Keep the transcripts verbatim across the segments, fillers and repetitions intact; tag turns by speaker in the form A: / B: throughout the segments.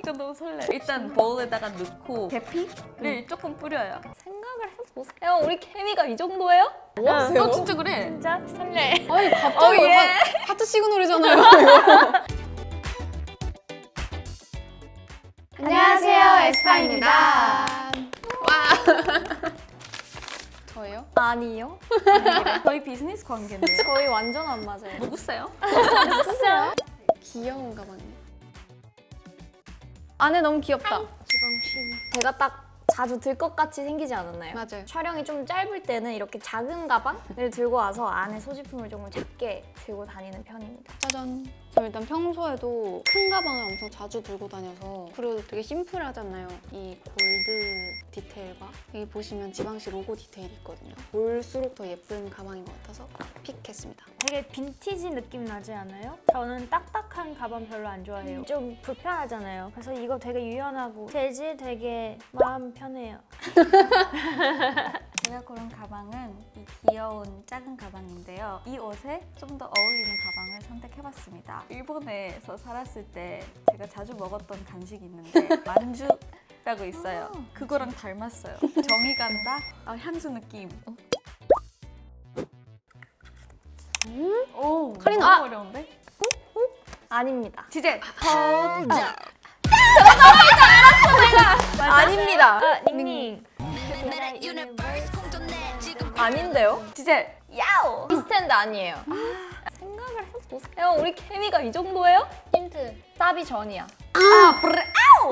A: 진짜 너무 설레. 일단 보울에다가 넣고 계피를 조금 뿌려요.
B: 생각을 해보세요. 우리 케미가 이 정도예요?
C: 뭐 하세요?
A: 너 진짜 그래.
B: 진짜 설레.
C: 아니 갑자기
A: 어, 예.
C: 하, 하트 시그널이잖아요. 이거.
B: 안녕하세요, 에스파입니다.
C: 와. 저예요?
B: 아니요.
A: 저희 비즈니스 관계인데요.
B: 저희 완전 안 맞아요.
A: 누구세요?
B: 누구세요?
C: 귀여운 가방이.
B: 안에 너무 귀엽다. 제가 딱 자주 들 것 같이 생기지 않았나요?
C: 맞아요.
B: 촬영이 좀 짧을 때는 이렇게 작은 가방을 들고 와서 안에 소지품을 조금 작게 들고 다니는 편입니다.
C: 짜잔. 저 일단 평소에도 큰 가방을 엄청 자주 들고 다녀서 그리고 되게 심플하잖아요. 이 골드 디테일과 여기 보시면 지방시 로고 디테일이 있거든요. 볼수록 더 예쁜 가방인 것 같아서 픽했습니다.
D: 되게 빈티지 느낌 나지 않아요? 저는 딱딱한 가방 별로 안 좋아해요. 좀 불편하잖아요. 그래서 이거 되게 유연하고 재질 되게 마음 편해요.
A: 제가 고른 가방은 이 귀여운 작은 가방인데요. 이 옷에 좀 더 어울리는 가방을 선택해봤습니다. 일본에서 살았을 때 제가 자주 먹었던 간식이 있는데 만주라고 있어요. 그거랑 닮았어요. 정이 간다? 아, 향수 느낌.
C: 음?
A: 오,
C: 카리나.
A: 너무 어려운데?
B: 아닙니다.
A: 지젤!
B: 아닙니다.
D: 아, 닝닝.
B: 아닌데요?
A: 지젤! 야오!
B: 비스탠드 아니에요. 생각을 해보세요. 우리 케미가 이 정도예요? 힌트. 사비 전이야.
A: 아, 브레!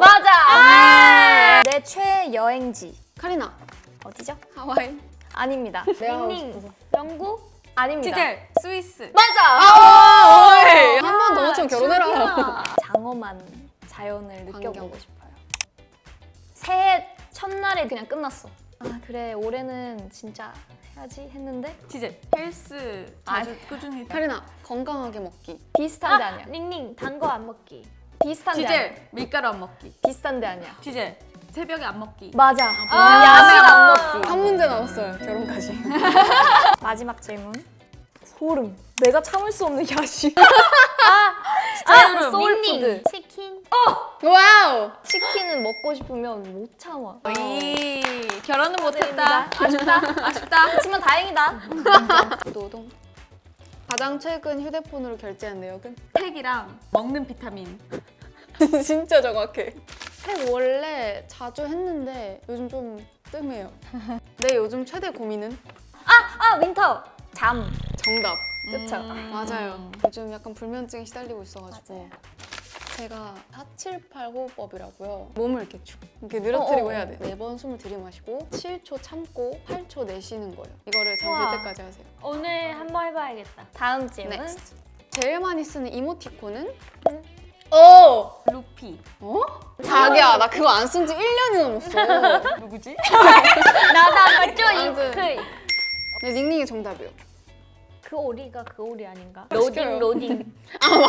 B: 맞아! 내 최애 여행지.
C: 카리나.
B: 어디죠?
C: 하와이.
B: 아닙니다.
C: 내가 하고
D: 닝닝.
C: 싶어서.
D: 영국?
B: 아닙니다.
A: 지젤! 스위스!
B: 맞아!
C: 아, 어이. 한번 더 맞추면 결혼해라.
B: 장엄한 자연을 느껴보고
C: 광경.
B: 싶어요. 새해 첫날에 그냥 끝났어. 아 그래 올해는 진짜 해야지 했는데
A: 지젤! 헬스 자주 꾸준히
C: 카리나. 건강하게 먹기.
B: 비슷한데
D: 아,
B: 아니야.
D: 닝닝. 단 거 안 먹기.
B: 비슷한데 아니야.
A: 지젤! 밀가루 안 먹기.
B: 비슷한데 아니야.
A: 지젤! 새벽에 안 먹기.
B: 맞아.
A: 아,
B: 야식 안 먹기.
C: 한 문제 남았어요. 결혼까지.
B: 마지막 질문. 소름. 내가 참을 수 없는 야식.
A: 아,
B: 소울푸드.
D: 치킨?
C: 와우.
B: 치킨은 먹고 싶으면 못 참아.
A: 이 결혼은 못했다.
B: 아쉽다.
A: 아쉽다.
B: 하지만 다행이다.
C: 노동. 가장 최근 휴대폰으로 결제한 내역은?
A: 팩이랑 먹는 비타민.
C: 진짜 정확해. 책 원래 자주 했는데 요즘 좀 뜸해요. 내 요즘 최대 고민은?
B: 아 윈터. 잠.
C: 정답.
B: 그쵸.
A: 음.
C: 맞아요. 요즘 약간 불면증에 시달리고 있어가지고 제가 사칠팔 호흡법이라고요. 몸을 이렇게 쭉 이렇게 늘어뜨리고
B: 어어.
C: 해야 돼. 네 번 숨을 들이마시고 칠 초 참고 팔 초 내쉬는 거예요. 이거를
D: 우와.
C: 잠들 때까지 하세요.
D: 오늘 한번 해봐야겠다.
B: 다음 질문.
C: 넥스트. 제일 많이 쓰는 이모티콘은?
B: 오.
A: 루피.
C: 어? 자기야 나 그거 안 쓴 지 일 년이 넘었어.
A: 누구지?
D: 나나 맞죠? 이-
C: 아무튼.
D: 그,
C: 네, 닝닝이 정답이요.
D: 그 오리가 그 오리 아닌가?
C: 시켜요.
D: 로딩 로딩.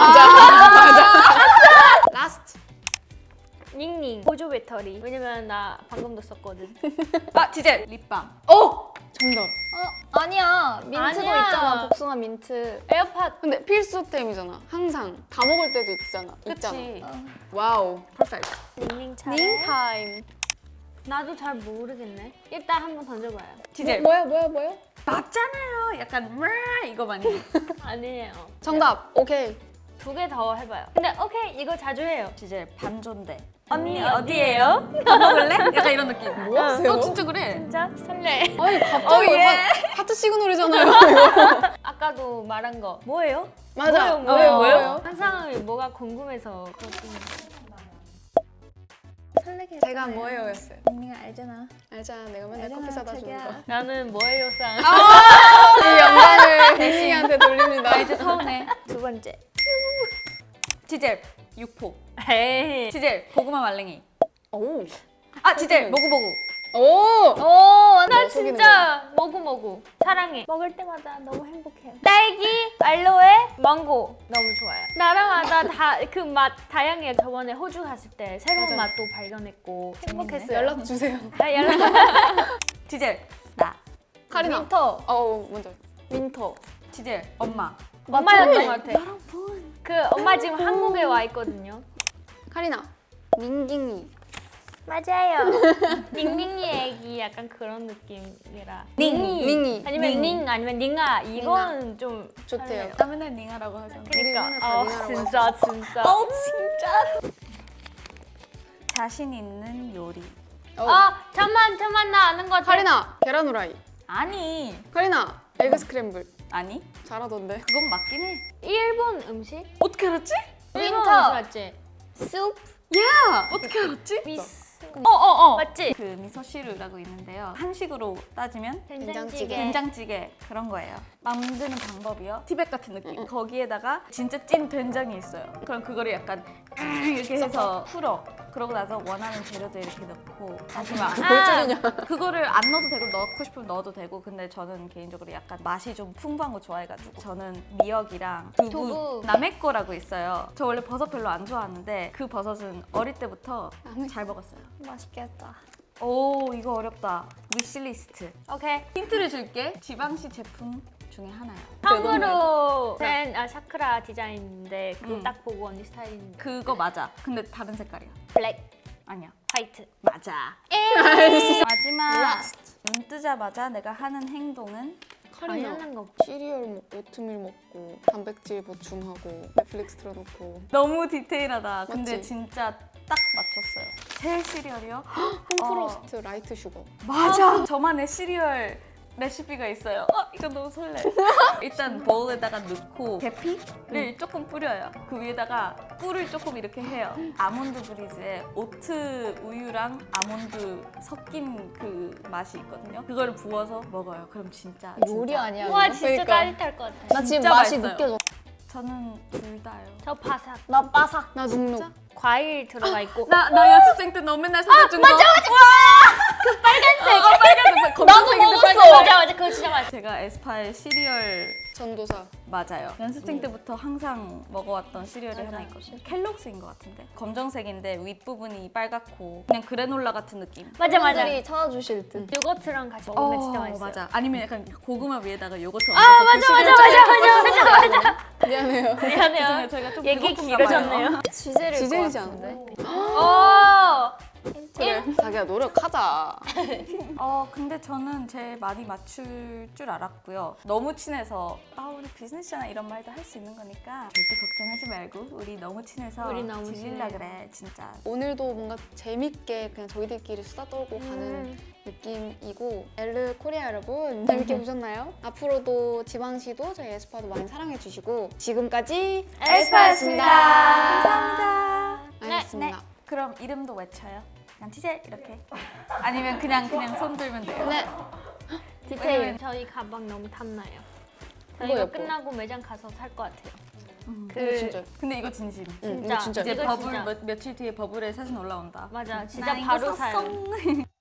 C: 라스트.
D: 닝닝. 보조 배터리. 왜냐면 나 방금도 썼거든.
A: 아, 지젤! 립밤.
C: 어! 정답.
B: 어, 아니야. 민트도
D: 아니야.
B: 있잖아. 복숭아 민트.
D: 에어팟.
C: 근데 필수템이잖아. 항상 다 먹을 때도 있잖아. 있잖아.
A: 그치?
C: 와우.
A: 퍼펙트.
D: 닝닝 차례.
C: 닝 타임.
D: 나도 잘 모르겠네. 일단 한번 던져봐요.
A: 지젤.
C: 뭐야 뭐야 뭐야?
A: 맞잖아요. 약간 와 이거 많이.
D: 아니에요.
C: 정답. 오케이.
D: 두 개 더 해봐요. 근데 오케이 이거 자주 해요.
A: 지젤 반존대.
D: 언니
A: 언니 어디에요? 밥 먹을래? 약간 이런 느낌.
C: 뭐 하세요?
A: 너 진짜 그래.
D: 진짜 설레.
C: 아니 갑자기
A: 어, 예.
C: 하, 하트 시그널이잖아요. 이거.
D: 아까도 말한 거 뭐예요?
C: 맞아.
D: 뭐예요? 뭐예요?
C: 뭐예요?
D: 항상 뭐가 궁금해서 그것도
B: 설레게.
C: 제가 뭐예요였어요.
B: 닝닝 알잖아.
C: 알잖아. 내가 맨날
B: 알잖아,
C: 커피 사다 주는
B: 자기야.
C: 거.
D: 나는 뭐예요상.
C: 이 영광을 닝닝이한테 돌립니다.
A: 나 이제 서운해.
D: 두 번째.
A: 지젤 육포.
D: 에이.
A: 지젤 고구마 말랭이.
C: 오.
A: 아, 지젤 모구모구.
C: 오.
D: 오, 나
C: 뭐 속이는
D: 진짜 먹고 먹고 사랑해. 먹을 때마다 너무 행복해. 딸기, 알로에, 망고 너무 좋아요. 나라마다 다 그 맛 다양해. 저번에 호주 갔을 때 새로운
C: 맞아요.
D: 맛도 발견했고 행복했어요.
C: 연락 주세요.
D: 아, 연락.
A: 지젤 나.
C: 카리나.
B: 윈터.
C: 어 먼저.
B: 윈터.
A: 지젤 엄마.
D: 엄마였던 것 같아. 그 엄마 지금 한국에 와 있거든요.
C: 카리나. 닝깅이.
D: 맞아요. 닝닝이 애기 약간 그런 느낌이라.
C: 닝이. 닝이.
D: 아니면
A: 닝.
D: 닝 아니면 닝아 이건 좀
C: 좋대요.
D: 설레요.
A: 나 맨날 닝하라고 하잖아.
C: 우리
D: 그러니까
C: 맨날 다
D: 아
C: 닝아라고
D: 진짜 진짜.
A: 어 진짜. 자신 있는 요리.
C: 어.
D: 아 잠만 잠만 나 아는 거 같아.
C: 카리나 계란 후라이.
A: 아니
C: 카리나 에그 스크램블.
A: 아니
C: 잘하던데.
A: 그건 맞긴 해.
D: 일본 음식?
A: 어떻게 알았지?
D: 일본
B: 윈터.
D: 음식 맞지?
B: 숲.
A: 야 어떻게 알았지?
D: 미스
A: 어어어
D: 맞지?
A: 그 미소시루라고 있는데요. 한식으로 따지면
C: 된장찌개.
A: 된장찌개 그런 거예요. 만드는 방법이요. 티백 같은 느낌. 거기에다가 진짜 찐 된장이 있어요. 그럼 그거를 약간 이렇게 해서 풀어. 그러고 나서 원하는 재료들 이렇게 넣고 다시 막
C: 뭘 줄이냐.
A: 그거를 안 넣어도 되고 넣고 싶으면 넣어도 되고 근데 저는 개인적으로 약간 맛이 좀 풍부한 거 좋아해가지고 저는 미역이랑 두부,
B: 두부.
A: 남의 거라고 있어요. 저 원래 버섯 별로 안 좋아하는데 그 버섯은 어릴 때부터 잘 먹었어요.
B: 맛있겠다.
A: 오 이거 어렵다. 위시리스트.
D: 오케이.
A: 힌트를 줄게. 지방시 제품 중에 하나요.
D: 처음으로 된 아, 샤크라 디자인인데 그거
A: 음.
D: 딱 보고 언니 스타일인데
A: 그거 맞아. 근데 다른 색깔이야.
D: 블랙,
A: 아니야.
D: 화이트.
A: 맞아. 마지막. 눈 뜨자마자 내가 하는 행동은
C: 카리나
D: 당연한 거.
C: 시리얼 먹고 오트밀 먹고 단백질 보충하고 넷플릭스 틀어놓고
A: 너무 디테일하다. 근데
C: 맞지?
A: 진짜 딱 맞췄어요. 제 시리얼이요?
C: 홈프로스트 라이트 슈거.
A: 맞아. 저만의 시리얼 레시피가 있어요. 어, 이거 너무 설레. 일단 보울에다가 넣고 계피를 조금 뿌려요. 그 위에다가 꿀을 조금 이렇게 해요. 아몬드 브리즈에 오트 우유랑 아몬드 섞인 그 맛이 있거든요. 그걸 부어서 먹어요. 그럼 진짜
B: 요리
A: 진짜.
B: 아니야?
D: 와
B: 이거?
D: 진짜
C: 그러니까.
D: 짜릿할 것 같아.
B: 나 지금
A: 진짜
B: 맛이
A: 맛있어요.
B: 느껴져.
A: 저는 둘 다요.
D: 저 바삭.
B: 나 바삭.
C: 나 눅눅.
D: 과일 들어가 있고.
A: 나, 나 연습생 때 너 맨날 사준 거. 맞아, 맞아.
D: 빨간색.
A: 어, 빨간색.
B: 나도 먹었어.
D: 맞아 맞아 그거 진짜 맛있어.
A: 제가 에스파의 시리얼
C: 전도사.
A: 맞아요. 연습생 때부터 항상 먹어왔던 시리얼이 하나 있거든요. 켈록스인 것 같은데. 검정색인데 윗부분이 빨갛고 그냥 그래놀라 같은 느낌.
D: 맞아 맞아.
B: 팬들이 찾아주실 듯.
D: 요거트랑 같이 먹으면 진짜
A: 어,
D: 맛있어요.
A: 맞아. 아니면 약간 고구마 위에다가 요거트
D: 아
A: 얹어서
D: 맞아
A: 그
D: 맞아
A: 시리얼
D: 맞아 맞아 맞아.
C: 미안해요.
D: 미안해요.
A: 죄송해요. 저희가 좀
D: 얘기
A: 배고픈가 봐요.
D: 길어졌네요.
B: 지젤일 것
C: 지젤이지
B: 같은데.
D: 오.
C: 그래. 자기야 노력하자.
A: 어 근데 저는 제일 많이 맞출 줄 알았고요. 너무 친해서 아 우리 비즈니스잖아 이런 말도 할 수 있는 거니까 절대 걱정하지 말고 우리 너무 친해서
D: 우리 너무
A: 질릴라
D: 친해요.
A: 그래 진짜.
C: 오늘도 뭔가 재밌게 그냥 저희들끼리 수다 떨고 가는
D: 음.
C: 느낌이고 엘르 코리아 여러분 재밌게 보셨나요? 앞으로도 지방시도 저희 에스파도 많이 사랑해 주시고 지금까지
D: 에스파였습니다.
A: 감사합니다.
C: 알겠습니다.
A: 그럼 이름도 외쳐요. 그냥 티젤 이렇게. 아니면 그냥 그냥 손 들면 돼요.
C: 네.
D: 디테일. 저희 가방 너무 탐나요. 저희가
C: 예뻐.
D: 끝나고 매장 가서 살 것 같아요.
A: 음.
C: 이거 진짜.
A: 근데 이거 진심.
C: 응,
D: 진짜.
C: 이거 진짜.
A: 이제
D: 이거
A: 버블
D: 진짜.
A: 며, 며칠 뒤에 버블에 사진 올라온다.
D: 맞아. 진짜
A: 나 이거
D: 바로
A: 샀어.
D: 사요.